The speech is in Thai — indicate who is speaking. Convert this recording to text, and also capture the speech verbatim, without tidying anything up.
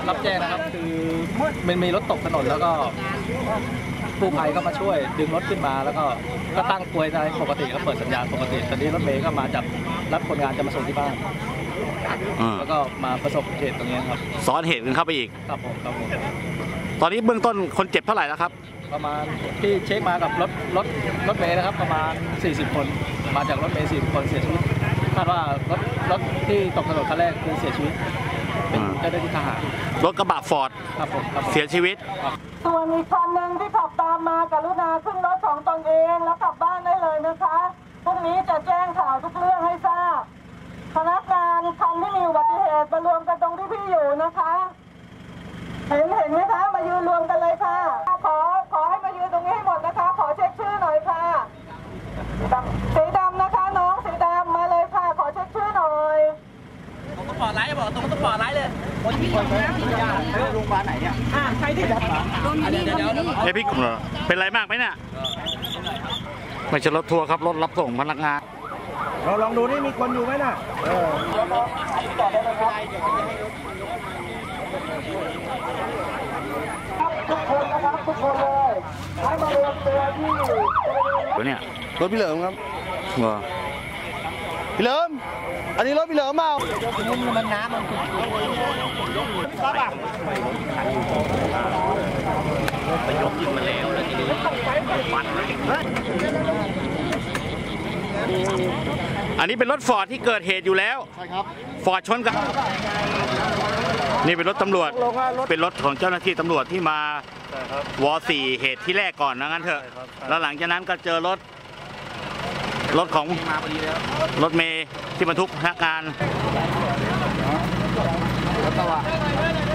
Speaker 1: รับแจ้งนะครับคือมันมีรถตกถนนแล้วก็กู้ภัยก็มาช่วยดึงรถขึ้นมาแล้วก็ก็ตั้งกลวยในปกติก็เปิดสัญญาณปกติตอนนี้รถเมย์ก็มาจับรับคนงานจะมาส่งที่บ้านแล้วก็มาประสบเหตุตรงนี้ครับ
Speaker 2: ซ้อนเหตุกันเข้าไปอีก
Speaker 1: ครับผมครับผม
Speaker 2: ตอนนี้เบื้องต้นคนเจ็บเท่าไหร่แล้วครับ
Speaker 1: ประมาณที่เช็คมากับรถรถรถเมย์นะครับประมาณสี่สิบคนมาจากรถเมย์สี่สิบคนเสียชีวิตคาดว่ารถรถที่ตกถนนคันแรกคือเสียชีวิตเป็นเจ้าหน้าที่ทหาร
Speaker 2: รถกระบะฟอร์ดเสียชีวิต
Speaker 3: ส่วนอีกคันหนึ่งที่ขับตามมากรุณาขึ้นรถของตนเองแล้วกลับบ้านได้เลยนะคะพรุ่งนี้จะแจ้งข่าวทุกเรื่องให้ทราบพนักงานคันที่มีอุบัติเหตุมารวมกันตรงที่พี่อยู่นะคะเห็นเห็นไหมคะมายืนรวมกันเลยค่ะขอขอให้มายืนตรงนี้ให้หมดนะคะขอเช็คชื่อหน่อยค่ะสีดำนะคะน้องสีดำมาเลยค่ะขอเช็คชื่อหน่อย
Speaker 4: ผมต้องปลอดไลท์บอกตรงต้องปลอดไลท์เลยคนที่คนที่ที่ยาโรงพยาบาลไหนเนี่ยอ่าใครที่ดับโดนนี่โดนนี่
Speaker 2: เฮ้ยพี่กลุ่มเหรอเป็นไรมากไหมเนี่ยไม่ใช่รถทัวร์ครับรถรับส่งพนักงาน
Speaker 5: เราลองดูนี่มีคนอยู่ไหมน่ะเออ
Speaker 3: ทุกคนนะครับทุกคนเลยให้มารวมตัวที่
Speaker 2: ตัวเนี่ย
Speaker 5: รถพี่เหลิมครับ
Speaker 2: ว้า
Speaker 5: พี่เหลิมอันนี้รถพี่เหลิมเมา
Speaker 4: มุมมันน้ำมันครับอ่ะ
Speaker 2: ไปยกขึ้นมาแล้วแล้วทีนี้ฟันอันนี้เป็นรถฟอร์ดที่เกิดเหตุอยู่แล้ว
Speaker 5: ใช่ครับ
Speaker 2: ฟอร์ดชนกันนี่เป็นรถตำรวจเป็นรถของเจ้าหน้าที่ตำรวจที่มาวอสี่เหตุที่แรกก่อนนะงั้นเถอะแล้วหลังจากนั้นก็เจอรถรถของรถเมย์ที่บรรทุกพนักงาน